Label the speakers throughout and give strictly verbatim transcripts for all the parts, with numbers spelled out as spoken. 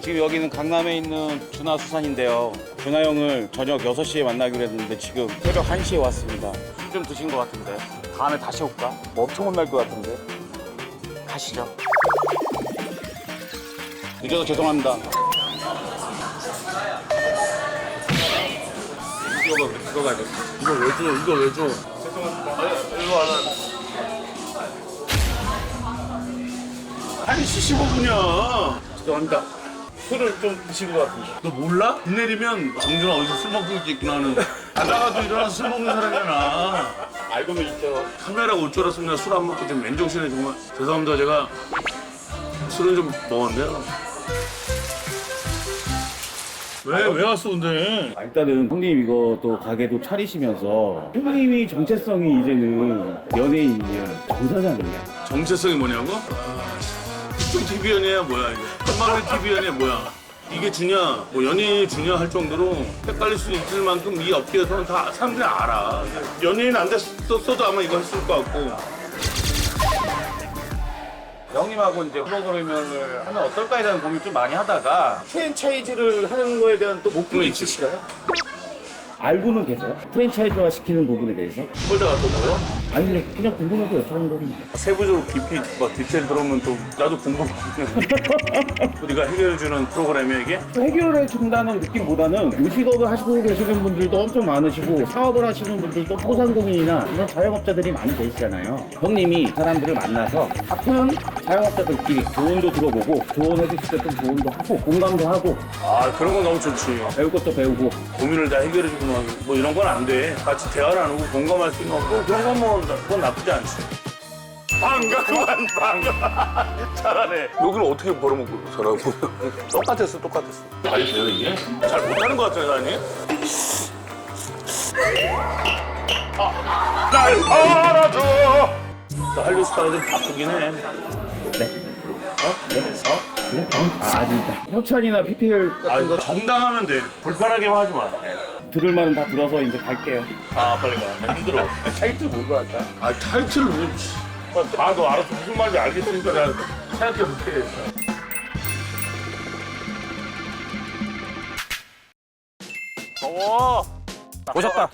Speaker 1: 지금 여기는 강남에 있는 준하 수산인데요. 준하 형을 저녁 여섯 시에 만나기로 했는데 지금 새벽 한 시에 왔습니다. 술 좀 드신 것 같은데 다음에 다시 올까? 뭐 엄청 혼날 것 같은데. 가시죠. 늦어서 죄송합니다. 이거 이거 가져.
Speaker 2: 이거 왜 줘? 이거 왜 줘?
Speaker 3: 이거 하나.
Speaker 2: 한 시 십오 분이야.
Speaker 3: 죄송합니다. 술을 좀 드신 것 같은데.
Speaker 2: 너 몰라? 비 내리면 정준아 어디서 술 먹고 있겠구나 하는. 자다가도 일어나서 술 먹는 사람이잖아.
Speaker 3: 알고는 있죠.
Speaker 2: 카메라가 올 줄 알았으면 술 안 먹고 좀 맨정신에 정말 죄송합니다. 제가 술은 좀 먹었는데요. 왜, 왜 왔어 근데?
Speaker 1: 아, 일단은 형님 이거 또 가게도 차리시면서 형님이 정체성이 이제는 연예인이야, 정사장이야.
Speaker 2: 정체성이 뭐냐고? 특종 티비연이야 뭐야 이거? 한방울 티비연이야 뭐야? 이게 주냐, 뭐 연예인이 주냐 할 정도로 헷갈릴 수 있을 만큼 이 업계에서는 다 사람들이 알아. 연예인 안 됐었어도 아마 이거 했을 것 같고.
Speaker 1: 형님하고 이제 프로그램을 하면 어떨까에 대한 고민 좀 많이 하다가 프랜차이즈를 하는 거에 대한 또 목표가 있으실까요? 알고는 계세요? 프랜차이즈화 시키는 부분에 대해서?
Speaker 2: 홀다 갔던 거요?
Speaker 1: 아니 근데 그냥 궁금해서 여쭤보는 겁니다.
Speaker 2: 세부적으로 깊이 뭐 디테일 들어오면 또 나도 궁금하거든. 우리가 해결해주는 프로그램이 이게?
Speaker 1: 해결해 준다는 느낌보다는 요식업을 하시고 계시는 분들도 엄청 많으시고 사업을 하시는 분들도 소상공인이나 이런 자영업자들이 많이 계시잖아요. 형님이 사람들을 만나서 같은 자영업자들끼리 조언도 들어보고 조언해 주실 때 좀 조언도 하고 공감도 하고
Speaker 2: 아 그런 건 너무 좋지.
Speaker 1: 배울 것도 배우고
Speaker 2: 고민을 다 해결해주고 뭐 이런 건 안 돼. 같이 대화를 안 하고 공감할 수 있는 거 그런 건 뭐 그건 나쁘지 않지. 반가 그만 반가. 잘하네. 여기를 어떻게 벌어먹고 살아고? 똑같았어 똑같았어. 말이 돼요 이게? 잘 못하는 것 같아요 아니? 아, 날 알아줘. 나 한류 스타가 좀 바쁘긴 해.
Speaker 1: 네. 어? 네? 어? 그래? 아, 아니다. 협찬이나 피피엘
Speaker 2: 아
Speaker 1: 같은
Speaker 2: 이거
Speaker 1: 거
Speaker 2: 정당하면 돼. 불편하게만 하지 마.
Speaker 1: 들을 말은 다 들어서 이제 갈게요.
Speaker 2: 아 빨리 가. 나 힘들어.
Speaker 1: 타이틀 뭘로 할까?
Speaker 2: 아 타이틀을 왜? 아너 알아서 무슨 말인지 알겠으니까 내가 생각해 볼게. 더워.
Speaker 1: 오셨다.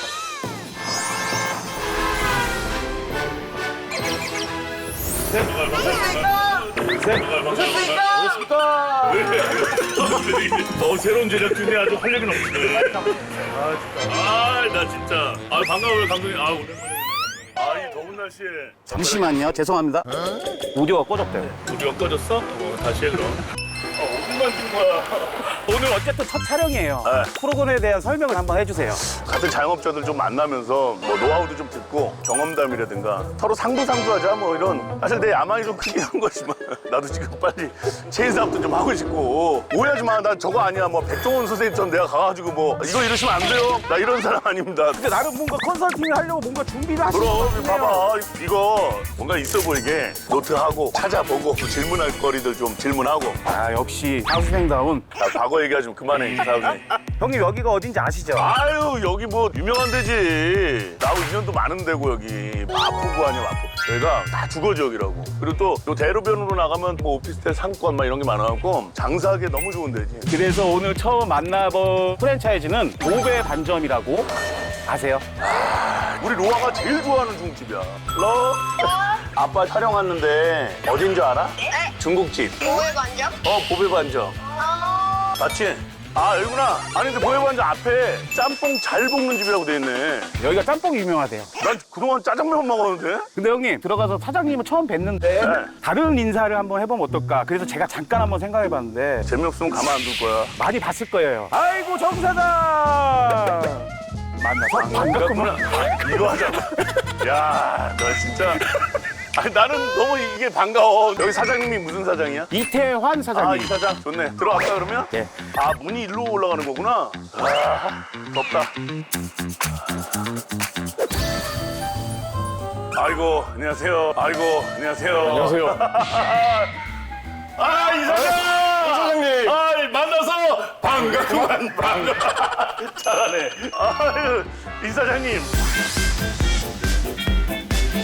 Speaker 2: 오셨습니까? 어 새로운 제작진이 아주 활력이 넘치네. 아 진짜. 아나 진짜. 아 반가워요 감독님. 아 오랜만에. 아이 더운 날씨에.
Speaker 1: 잠시만요. 죄송합니다. 오디오가 꺼졌대요.
Speaker 2: 우리가 꺼졌어? 어 다시 해 그럼. 아 어디만 준 거야?
Speaker 1: 오늘 어쨌든 첫 촬영이에요.
Speaker 2: 네.
Speaker 1: 프로그램에 대한 설명을 한번 해주세요.
Speaker 2: 같은 자영업자들 좀 만나면서 뭐 노하우도 좀 듣고 경험담이라든가 서로 상부상조하자 뭐 이런 사실 내 야망이 좀 크긴 한 거지만 나도 지금 빨리 체인 사업도 좀 하고 싶고 오해하지 마. 나 저거 아니야. 뭐 백종원 선생님처럼 내가 가가지고 뭐 이거 이러시면 안 돼요. 나 이런 사람 아닙니다.
Speaker 1: 근데 나는 뭔가 컨설팅을 하려고 뭔가 준비를 하시는 것
Speaker 2: 그럼
Speaker 1: 같아요.
Speaker 2: 봐봐 이거 뭔가 있어 보이게 노트하고 찾아보고 질문할 거리들 좀 질문하고.
Speaker 1: 아 역시 사수생다운.
Speaker 2: 나 과거 얘기하지 좀 그만해 사장님.
Speaker 1: 형님 여기가 어딘지 아시죠?
Speaker 2: 아유 여기 뭐 유명한 데지. 나하고 인연도 많은 데고 여기 마포구 아니야 마포. 저희가 다 주거 지역이라고. 그리고 또 요 대로변으로 나가면 뭐 오피스텔 상권 막 이런 게 많아갖고 장사하기 너무 좋은 데지.
Speaker 1: 그래서 오늘 처음 만나본 프랜차이즈는 오배 반점이라고 아세요?
Speaker 2: 우리 로아가 제일 좋아하는 중국집이야. 로? 아빠 촬영 왔는데 어딘 줄 알아?
Speaker 4: 네?
Speaker 2: 중국집.
Speaker 4: 뭐에 관점?
Speaker 2: 어 보배반점.
Speaker 4: 어...
Speaker 2: 맞지? 아 여기구나. 아니 근데 보배반점 앞에 짬뽕 잘 볶는 집이라고 돼 있네.
Speaker 1: 여기가 짬뽕이 유명하대요.
Speaker 2: 난 그동안 짜장면 먹었는데?
Speaker 1: 근데 형님 들어가서 사장님을 처음 뵀는데
Speaker 2: 네.
Speaker 1: 다른 인사를 한번 해보면 어떨까? 그래서 제가 잠깐 한번 생각해봤는데
Speaker 2: 재미없으면 가만 안 둘 거야.
Speaker 1: 많이 봤을 거예요. 아이고 정 사장 만나서 반갑구나.
Speaker 2: 이거 하자고. 야, 너 진짜. 아니 나는 너무 이게 반가워. 여기 사장님이 무슨 사장이야?
Speaker 1: 이태환
Speaker 2: 아,
Speaker 1: 사장님.
Speaker 2: 이 사장. 좋네. 들어갈까 그러면?
Speaker 1: 예.
Speaker 2: 아, 문이 일로 올라가는 거구나. 아, 덥다. 아이고, 안녕하세요. 아이고, 안녕하세요.
Speaker 3: 안녕하세요.
Speaker 2: 아, 이 사장!
Speaker 3: 이 사장님.
Speaker 2: 아, 만나서 반갑구만, 반가. 잘하네. 아유, 이 사장님.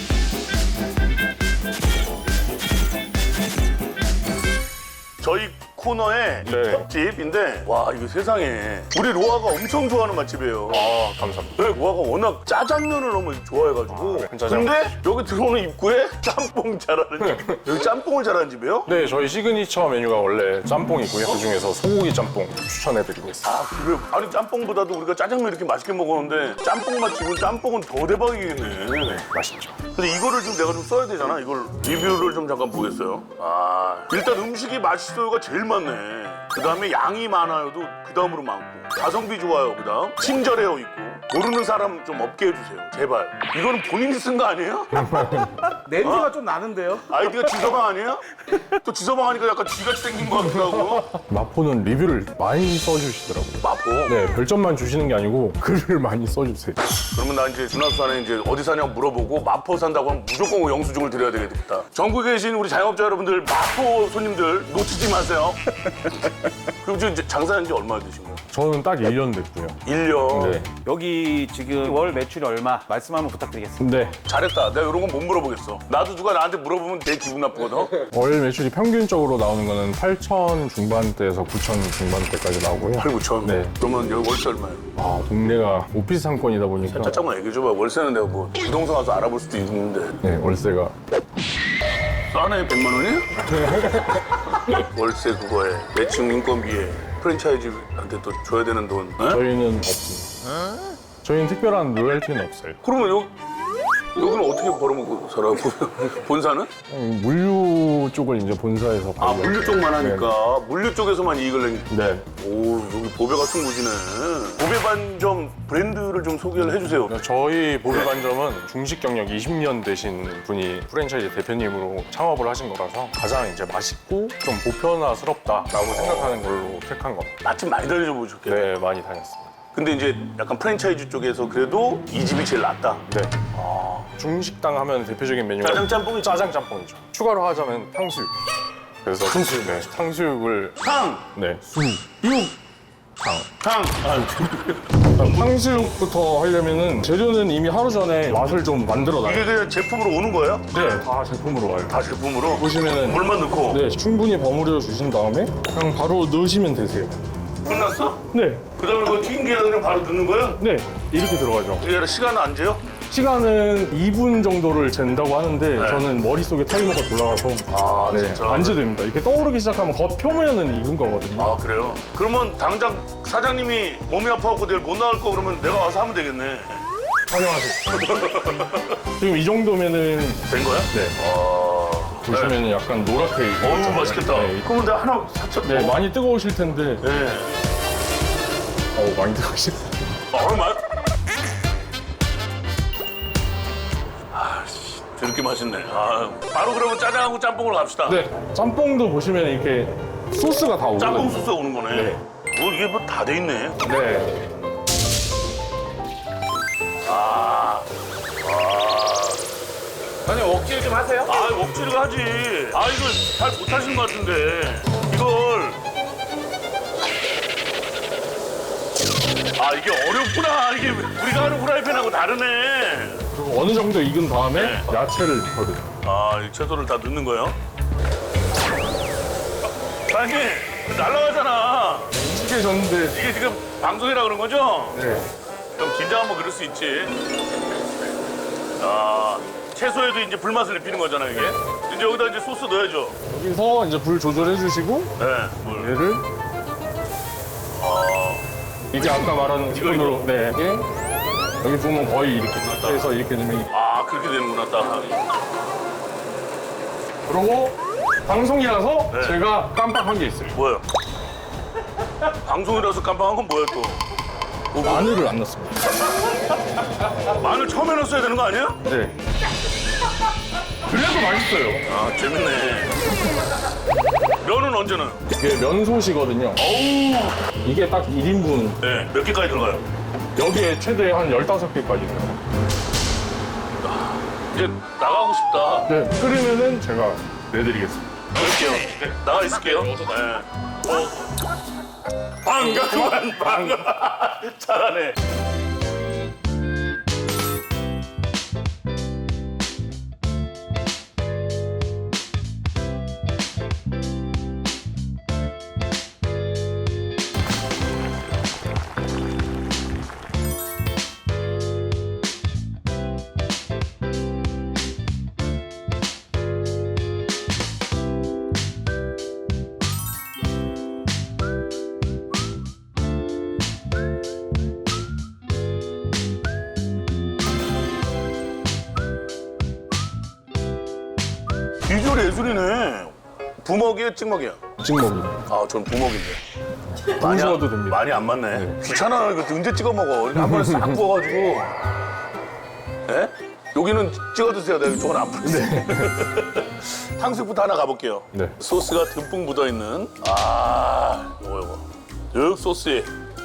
Speaker 2: 저희 코너에 이
Speaker 4: 네.
Speaker 2: 첩집인데 와 이거 세상에 우리 로아가 엄청 좋아하는 맛집이에요.
Speaker 4: 아, 감사합니다.
Speaker 2: 네, 로아가 워낙 짜장면을 너무 좋아해가지고.
Speaker 4: 아, 짜장.
Speaker 2: 근데 여기 들어오는 입구에 짬뽕 잘하는 집. 여기 짬뽕을 잘하는 집이에요?
Speaker 4: 네, 저희 시그니처 메뉴가 원래 짬뽕이고요. 그 중에서 소고기 짬뽕 추천해드리고 있습니다.
Speaker 2: 아 그래요? 아니 짬뽕보다도 우리가 짜장면 이렇게 맛있게 먹었는데 짬뽕 맛집은 짬뽕은 더 대박이겠네.
Speaker 4: 맛있죠.
Speaker 2: 근데 이거를 좀 내가 좀 써야 되잖아. 이걸 리뷰를 좀 잠깐 보겠어요. 아 일단 음식이 맛있어요가 제일 많네. 그 다음에 양이 많아요도 그 다음으로 많고 가성비 좋아요 그 다음 친절해요 있고 모르는 사람 좀 없게 해주세요 제발. 이거는 본인이 쓴 거 아니에요?
Speaker 1: 냄새가 좀 나는데요?
Speaker 2: 아이디가 지서방 아니에요? 또 지서방 하니까 약간 쥐같이 생긴 것 같기도 하고.
Speaker 4: 마포는 리뷰를 많이 써주시더라고요.
Speaker 2: 마포.
Speaker 4: 네, 별점만 주시는 게 아니고 글을 많이 써주세요.
Speaker 2: 그러면 나 이제 준하수산에 이제 어디 사냐고 물어보고 마포 산다고 하면 무조건 영수증을 드려야 되겠다. 전국에 계신 우리 자영업자 여러분들 마포 손님들 놓치지 마세요. 그럼 지금 이제 장사한 지 얼마나 되신 거예요?
Speaker 4: 저는 딱 일 년 됐고요.
Speaker 2: 일 년.
Speaker 4: 네.
Speaker 1: 여기 지금 월 매출이 얼마 말씀 한번 부탁드리겠습니다.
Speaker 4: 근데
Speaker 2: 잘했다. 내가 이런 건 못 물어보겠어. 나도 누가 나한테 물어보면 되게 기분 나쁘거든.
Speaker 4: 월 매출이 평균적으로 나오는 거는 팔천 중반대에서 구천 중반대까지 나오고요.
Speaker 2: 팔, 구천.
Speaker 4: 네.
Speaker 2: 그러면 여기 월세 얼마예요?
Speaker 4: 아, 동네가 오피스 상권이다 보니까
Speaker 2: 잠깐만 얘기해 줘봐. 월세는 내가 뭐 부동산 가서 알아볼 수도 있는데.
Speaker 4: 네, 월세가
Speaker 2: 싸네, 백만 원이야? 월세 그거에 매칭 인건비에 프랜차이즈한테 또 줘야 되는 돈. 에?
Speaker 4: 저희는 없습니다. 저희는 특별한 로열티는 없어요.
Speaker 2: 그러면 여, 여기는 어떻게 벌어먹고 살아? 본사는?
Speaker 4: 음, 물류 쪽을 이제 본사에서
Speaker 2: 아,
Speaker 4: 관리하고
Speaker 2: 물류 쪽만 하니까 물류 쪽에서만 이익을 내.
Speaker 4: 네.
Speaker 2: 오, 여기 보배 같은 곳이네. 보배 반점 브랜드를 좀 소개를 해주세요.
Speaker 4: 저희 보배반점은 중식 경력 이십 년 되신 분이 프랜차이즈 대표님으로 창업을 하신 거라서 가장 이제 맛있고 좀 보편화스럽다라고 생각하는 걸로 택한 겁니다.
Speaker 2: 맛집 많이 다녀줘 보셨겠네.
Speaker 4: 네, 많이 다녔습니다.
Speaker 2: 근데 이제 약간 프랜차이즈 쪽에서 그래도 이 집이 제일 낫다.
Speaker 4: 네. 중식당 하면 대표적인 메뉴가
Speaker 2: 짜장 짬뽕이죠.
Speaker 4: 짜장 짬뽕이죠. 추가로 하자면 탕수육. 그래서 탕수육. 네, 탕수육을
Speaker 2: 탕!
Speaker 4: 네, 수,
Speaker 2: 육!
Speaker 4: 탕.
Speaker 2: 탕!
Speaker 4: 탕수육부터 하려면은 재료는 이미 하루 전에 맛을 좀 만들어 놔요.
Speaker 2: 이게 그냥 제품으로 오는 거예요?
Speaker 4: 네, 다 제품으로 와요.
Speaker 2: 다 제품으로?
Speaker 4: 보시면은
Speaker 2: 물만 넣고?
Speaker 4: 네, 충분히 버무려 주신 다음에 그냥 바로 넣으시면 되세요.
Speaker 2: 끝났어?
Speaker 4: 네,
Speaker 2: 그 다음에 그거 튀긴 게 그냥 바로 넣는 거야?
Speaker 4: 네, 이렇게 들어가죠.
Speaker 2: 이게 시간은 안 재요?
Speaker 4: 시간은 이 분 정도를 잰다고 하는데 저는 머릿속에 타이머가 돌아가서
Speaker 2: 아,
Speaker 4: 네,
Speaker 2: 진짜?
Speaker 4: 안 재됩니다. 이렇게 떠오르기 시작하면 겉 표면은 익은 거거든요.
Speaker 2: 아, 그래요? 그러면 당장 사장님이 몸이 아파갖고 내일 못 나올 거 그러면 내가 와서 하면 되겠네.
Speaker 4: 환영하세요. 지금 이 정도면은
Speaker 2: 된 거야?
Speaker 4: 네,
Speaker 2: 아.
Speaker 4: 보시면은 약간 노랗게
Speaker 2: 어우,
Speaker 4: 익었잖아요.
Speaker 2: 맛있겠다.
Speaker 4: 네,
Speaker 2: 그러면 내가 하나 사천.
Speaker 4: 네, 많이 뜨거우실 텐데
Speaker 2: 네.
Speaker 4: 어, 많이 뜨거우실 텐데
Speaker 2: 아, 얼마야? 아, 씨. 저렇게 맛있네. 아, 바로 그러면 짜장하고 짬뽕으로 갑시다.
Speaker 4: 네, 짬뽕도 보시면 이렇게 소스가 다 오거든요.
Speaker 2: 짬뽕 소스가 오는 거네.
Speaker 4: 네.
Speaker 2: 뭐 이게 뭐 다 돼 있네.
Speaker 4: 네.
Speaker 2: 아,
Speaker 1: 아니 억지를 좀 하세요?
Speaker 2: 아, 억지로 하지. 아, 이걸 잘 못하시는 것 같은데. 이걸. 아, 이게 어렵구나. 이게 우리가 하는 후라이팬하고 다르네.
Speaker 4: 그리고 어느 정도 익은 다음에
Speaker 2: 네.
Speaker 4: 야채를 넣거든요.
Speaker 2: 아, 이 채소를 다 넣는 거예요? 아니, 날라가잖아.
Speaker 4: 이게 졌는데
Speaker 2: 이게 지금 방송이라 그런 거죠?
Speaker 4: 네.
Speaker 2: 좀 긴장하면 그럴 수 있지. 아, 채소에도 이제 불맛을 입히는 거잖아요, 이게. 이제 여기다 이제 소스 넣어야죠.
Speaker 4: 여기서 이제 불 조절해 주시고
Speaker 2: 네, 물.
Speaker 4: 얘를 이게 아까 말한 스푼으로 네. 이게 여기 보면 거의 이렇게 해서 이렇게 되면
Speaker 2: 아, 그렇게 되는구나, 딱.
Speaker 4: 그리고 방송이라서
Speaker 2: 네.
Speaker 4: 제가 깜빡한 게 있어요.
Speaker 2: 뭐예요? 방송이라서 깜빡한 건 뭐야, 또?
Speaker 4: 마늘을 안 넣습니다.
Speaker 2: 마늘 처음에 넣었어야 되는 거 아니야?
Speaker 4: 네. 그래도 맛있어요.
Speaker 2: 아, 재밌네. 면은 언제는?
Speaker 4: 이게 면소시거든요.
Speaker 2: 어우,
Speaker 4: 이게 딱 일 인분.
Speaker 2: 네, 몇 개까지 들어가요?
Speaker 4: 여기에 최대 한 열다섯 개까지 들어요.
Speaker 2: 이제 나가고 싶다.
Speaker 4: 네. 끓이면은 제가 내드리겠습니다.
Speaker 2: 그럴게요. 네, 나가 있을게요. 네. 어. 반가구만, 반가. 잘하네. 예술이네. 부먹이야, 찍먹이야?
Speaker 4: 찍먹이.
Speaker 2: 아, 전 부먹인데.
Speaker 4: 구우셔도 됩니다.
Speaker 2: 많이 안 맞네. 귀찮아. 이거 언제 찍어 먹어? 이렇게 한 번에 싹 구워가지고. 예? 여기는 찍어 드세요. 내가 저건 안 풀는데. 탕수육부터 하나 가볼게요.
Speaker 4: 네.
Speaker 2: 소스가 듬뿍 묻어 있는. 아, 이거 이거. 육 소스에.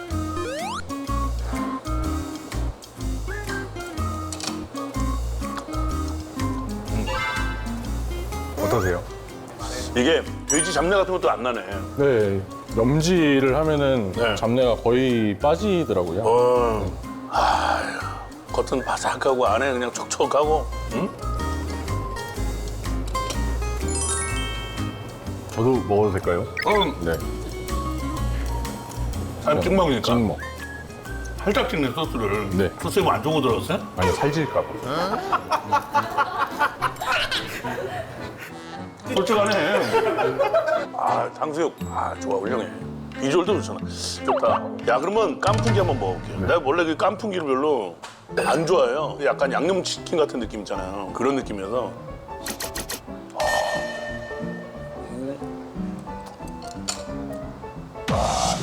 Speaker 4: 어떠세요?
Speaker 2: 이게 돼지 잡내 같은 것도 안 나네.
Speaker 4: 네. 염지를 하면은
Speaker 2: 네.
Speaker 4: 잡내가 거의 빠지더라고요.
Speaker 2: 어. 아, 겉은 바삭하고 안에 그냥 촉촉하고. 응?
Speaker 4: 저도 먹어도 될까요?
Speaker 2: 응.
Speaker 4: 네.
Speaker 2: 아, 찍먹이니까.
Speaker 4: 찍먹.
Speaker 2: 살짝 찍네 소스를.
Speaker 4: 네.
Speaker 2: 소스에 뭐 안 좋은 거 들었어요?
Speaker 4: 아니 살질까 봐.
Speaker 2: 솔직하네. 아, 탕수육. 아, 좋아, 훌륭해. 비주얼도 좋잖아. 좋다. 야, 그러면 깐풍기 한번 먹어볼게요. 내가 원래 그 깐풍기를 별로 안 좋아해요. 약간 양념치킨 같은 느낌 있잖아요. 그런 느낌이어서. 아. 아.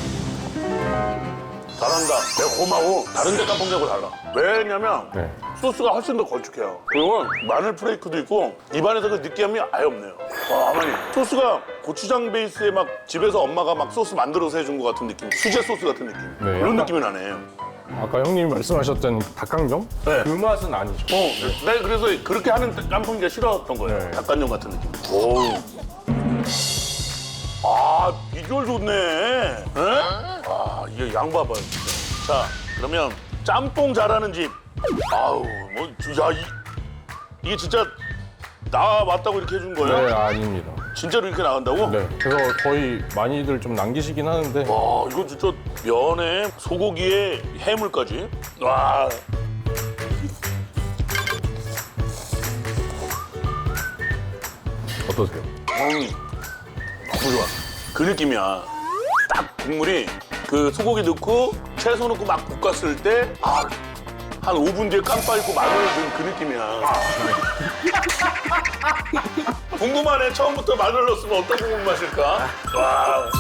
Speaker 2: 잘한다. 내가 고마워. 다른 데 깐풍기하고 달라. 왜냐면
Speaker 4: 네.
Speaker 2: 소스가 훨씬 더 걸쭉해요. 그리고 마늘 프레이크도 있고 입안에서 그 느끼함이 아예 없네요. 와, 어머니. 소스가 고추장 베이스에 막 집에서 엄마가 막 소스 만들어서 해준 것 같은 느낌. 수제 소스 같은 느낌.
Speaker 4: 네,
Speaker 2: 그런
Speaker 4: 약간-
Speaker 2: 느낌이 나네.
Speaker 4: 아까 형님이 말씀하셨던 닭강정?
Speaker 2: 네.
Speaker 4: 그 맛은 아니죠.
Speaker 2: 어, 내가 그래서 그렇게 하는 깐풍기가 싫었던 거예요.
Speaker 4: 네.
Speaker 2: 닭간장 같은 느낌. 오. 아, 비주얼 좋네. 에? 아, 이게 양 봐봐요, 진짜. 자, 그러면 짬뽕 잘하는 집. 아우, 뭐, 야, 이, 이게 진짜 나 왔다고 이렇게 해준 거예요?
Speaker 4: 네, 아닙니다.
Speaker 2: 진짜로 이렇게 나간다고?
Speaker 4: 네. 그래서 거의 많이들 좀 남기시긴 하는데
Speaker 2: 와, 이거 진짜 면에 소고기에 해물까지. 와.
Speaker 4: 어떠세요?
Speaker 2: 음, 너무 좋아. 그 느낌이야. 딱 국물이 그 소고기 넣고 채소 넣고 막 볶았을 때 아, 한 오 분 뒤에 깜빡 잊고 마늘을 넣은 그 느낌이야. 궁금하네. 처음부터 마늘 넣었으면 어떤 국물 맛일까? 와.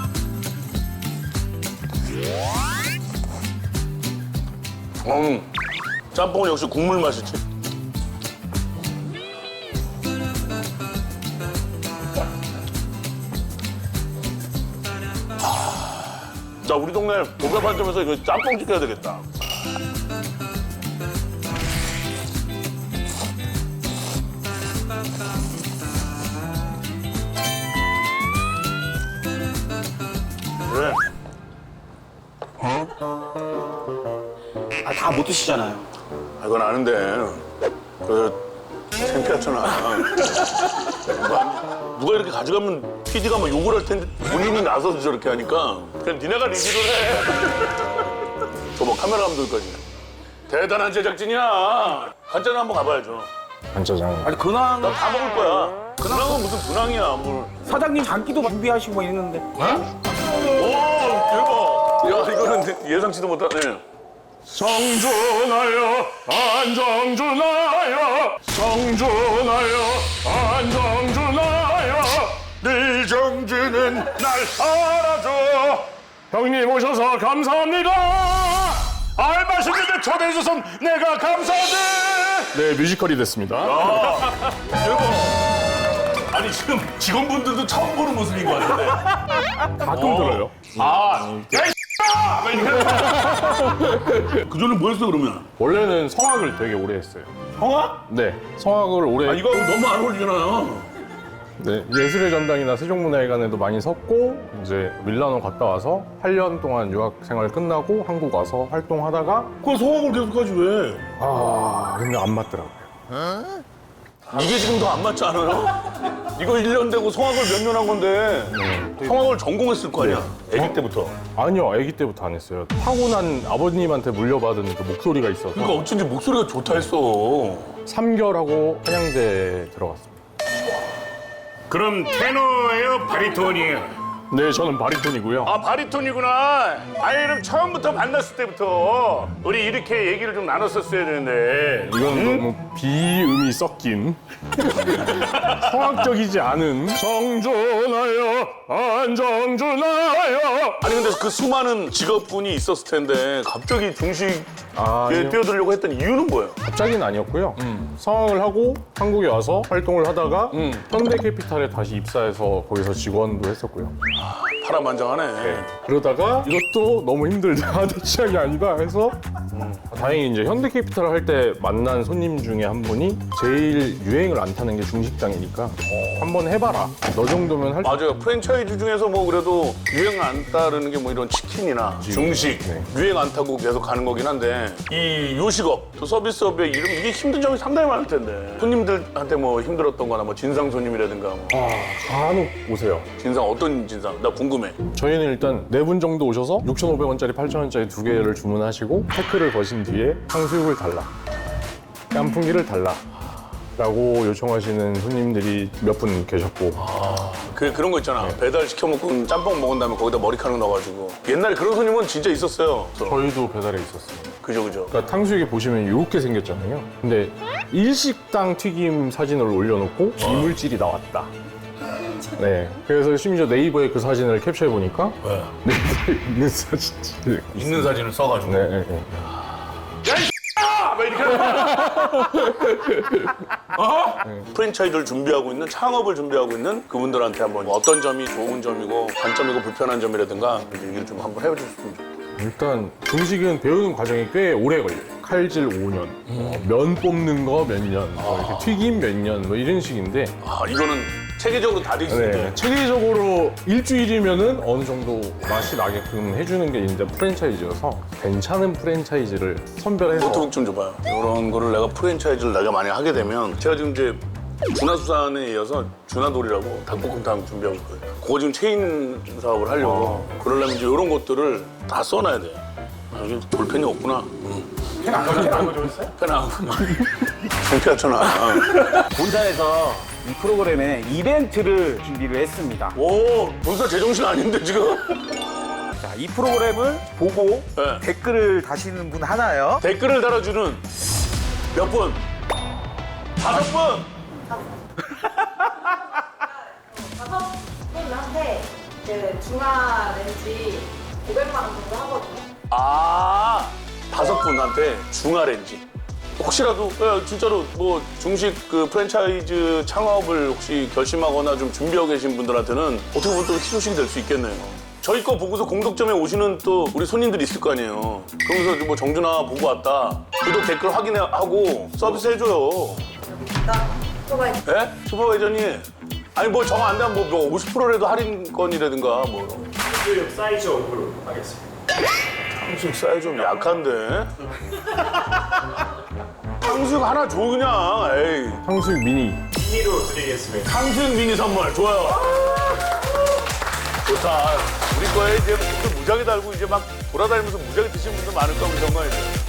Speaker 2: 음, 짬뽕은 역시 국물 맛이지. 자, 우리 동네 보배반점에서 이거 짬뽕 시켜야 되겠다. 그래.
Speaker 1: 아, 다 못 드시잖아요.
Speaker 2: 아, 이건 아는데 그 창피하잖아. 누가, 누가 이렇게 가져가면 피디가 막 욕을 할 텐데 본인이 나서서 저렇게 하니까 그냥 니네가 리뷰를 해. 저뭐 카메라 감독까지. 대단한 제작진이야. 한잔 한번 가봐야죠.
Speaker 4: 간짜장.
Speaker 1: 아니, 근황
Speaker 2: 나 다 먹을 거야. 근황은 무슨 근황이야. 뭘.
Speaker 1: 사장님 장기도 준비하시고 뭐 이랬는데.
Speaker 2: 오, 대박. 야, 이거는 예상치도 못하네.
Speaker 4: 성준하여 안정준하여 성준하여 안정준하여 네 정주는 날 알아줘. 형님 오셔서 감사합니다. 알바시는데 초대해줘서 내가 감사하네. 네, 뮤지컬이 됐습니다.
Speaker 2: 대박. 아니, 지금 직원분들도 처음 보는 모습인 것 같은데.
Speaker 4: 가끔 들어요.
Speaker 2: 아, 야, 이 그전에 뭐 했어, 그러면?
Speaker 4: 원래는 성악을 되게 오래 했어요.
Speaker 2: 성악?
Speaker 4: 네, 성악을 오래.
Speaker 2: 아, 이거 너무 안 어울리잖아요.
Speaker 4: 네, 예술의 전당이나 세종문화회관에도 많이 섰고 이제 밀라노 갔다 와서 팔 년 동안 유학 생활 끝나고 한국 와서 활동하다가
Speaker 2: 그걸 성악을 계속하지, 왜?
Speaker 4: 아 근데 안 맞더라고요.
Speaker 2: 이게 지금 더 안 맞지 않아요? 이거 일 년 되고 성악을 몇 년 한 건데 성악을 전공했을 거 아니야? 아기 때부터.
Speaker 4: 아니요, 아기 때부터 안 했어요. 타고난 아버님한테 물려받은 그 목소리가 있어서
Speaker 2: 그러니까 어쩐지 목소리가 좋다 했어.
Speaker 4: 삼 개월하고 한양대 들어갔습니다.
Speaker 3: 그럼 테너예요, 바리톤이에요?
Speaker 4: 네, 저는 바리톤이고요.
Speaker 2: 아 바리톤이구나. 아이는 처음부터 만났을 때부터 우리 이렇게 얘기를 좀 나눴었어야 되는데.
Speaker 4: 이건 너무 비음이 섞인 성악적이지 않은 정준하여 안정준하여.
Speaker 2: 아니 근데 그 수많은 직업군이 있었을 텐데 갑자기 중식에
Speaker 4: 아, 아니요.
Speaker 2: 뛰어들려고 했던 이유는 뭐예요?
Speaker 4: 갑자기는 아니었고요. 성악을 하고 한국에 와서 활동을 하다가 현대캐피탈에 다시 입사해서 거기서 직원도 했었고요.
Speaker 2: 파란만장하네.
Speaker 4: 그러다가 이것도 너무 힘들다, 내 취향이 아니다 해서 다행히 이제 현대캐피탈을 할 때 만난 손님 중에 한 분이 제일 유행을 안 타는 게 중식당이니까 한번 해봐라. 너 정도면 할
Speaker 2: 맞아요. 프랜차이즈 중에서 뭐 그래도 유행 안 따르는 게 뭐 이런 치킨이나 중식
Speaker 4: 네.
Speaker 2: 유행 안 타고 계속 가는 거긴 한데 이 요식업 또 서비스업의 이름 이게 힘든 점이 상당히 많을 텐데 손님들한테 뭐 힘들었던 거나 뭐 진상 손님이라든가 뭐
Speaker 4: 아, 간혹 오세요.
Speaker 2: 진상 어떤 진상? 나 궁금해.
Speaker 4: 저희는 일단 네 분 정도 오셔서 육천오백 원짜리, 팔천 원짜리 두 개를 주문하시고 태클을 거신 뒤에 탕수육을 달라, 깐풍기를 달라 라고 요청하시는 손님들이 몇 분 계셨고.
Speaker 2: 그, 그런 거 있잖아. 배달 시켜 먹고 짬뽕 먹은 다음에 거기다 머리카락 넣어가지고 옛날에 그런 손님은 진짜 있었어요.
Speaker 4: 저희도 배달에 있었어요.
Speaker 2: 그죠 그죠.
Speaker 4: 그러니까 탕수육에 보시면 이렇게 생겼잖아요. 근데 일식당 튀김 사진을 올려놓고 이물질이 나왔다. 네. 그래서 심지어 네이버에 그 사진을 캡처해 보니까 네이버에 있는 사진들.
Speaker 2: 있는 사진을 써가지고.
Speaker 4: 네, 네, 네.
Speaker 2: 아! 막 이렇게 어? 프랜차이즈를 준비하고 있는 창업을 준비하고 있는 그분들한테 한번 어떤 점이 좋은 점이고 단점이고 불편한 점이라든가 얘기를 좀 한번 해주셨으면 좋겠어요.
Speaker 4: 일단 중식은 배우는 과정이 꽤 오래 걸려요. 칼질 오 년, 어, 면 뽑는 거 몇 년, 뭐 이렇게 튀김 몇 년, 뭐 이런 식인데.
Speaker 2: 아 이거는 체계적으로 다 돼 있는데
Speaker 4: 네, 체계적으로 일주일이면은 어느 정도 맛이 나게끔 해주는 게 이제 프랜차이즈여서 괜찮은 프랜차이즈를 선별해서.
Speaker 2: 노트북 좀 줘봐요. 이런 거를 내가 프랜차이즈를 내가 만약 하게 되면 제가 지금 이제 준하수산에 이어서 준하돌이라고 닭볶음탕 준비하고 있거든요. 그거 지금 체인 사업을 하려고 그러려면 이제 이런 것들을 다 써놔야 돼. 아, 여기 볼펜이 없구나. 펜안 가져오셨어요? 펜안 가져오셨어요? 창피하잖아.
Speaker 1: 본사에서 이 프로그램에 이벤트를 준비를 했습니다.
Speaker 2: 오, 본사 제정신 아닌데 지금?
Speaker 1: 자, 이 프로그램을 보고
Speaker 2: 네.
Speaker 1: 댓글을 다시는 분 하나요?
Speaker 2: 댓글을 달아주는 몇 분? 다섯 분!
Speaker 5: 다섯 분한테 그 중화 렌지 오백만 원 정도 하거든요.
Speaker 2: 아, 다섯 분한테 중화렌지. 혹시라도 야, 진짜로 뭐 중식 그 프랜차이즈 창업을 혹시 결심하거나 좀 준비하고 계신 분들한테는 어떻게 보면 또 희소식이 될 수 있겠네요. 저희 거 보고서 공덕점에 오시는 또 우리 손님들이 있을 거 아니에요. 그러면서 뭐 정준아 보고 왔다. 구독 댓글 확인하고 서비스 해줘요.
Speaker 5: 일단 슈퍼바이저
Speaker 2: 예? 슈퍼바이저님. 아니 뭐 정 안 되면 뭐 오십 퍼센트라도 할인권이라든가 뭐.
Speaker 3: 탕수육 사이즈 오브로 하겠습니다.
Speaker 2: 탕수육 사이즈 좀 약한데? 탕수육 하나 줘 그냥. 에이.
Speaker 4: 탕수육 미니.
Speaker 3: 미니로 드리겠습니다.
Speaker 2: 탕수육 미니 선물 좋아요. 좋다. 우리 거에 이제 댓글 무지하게 달고 이제 막 돌아다니면서 무지하게 드시는 분들 많을 거고 정말.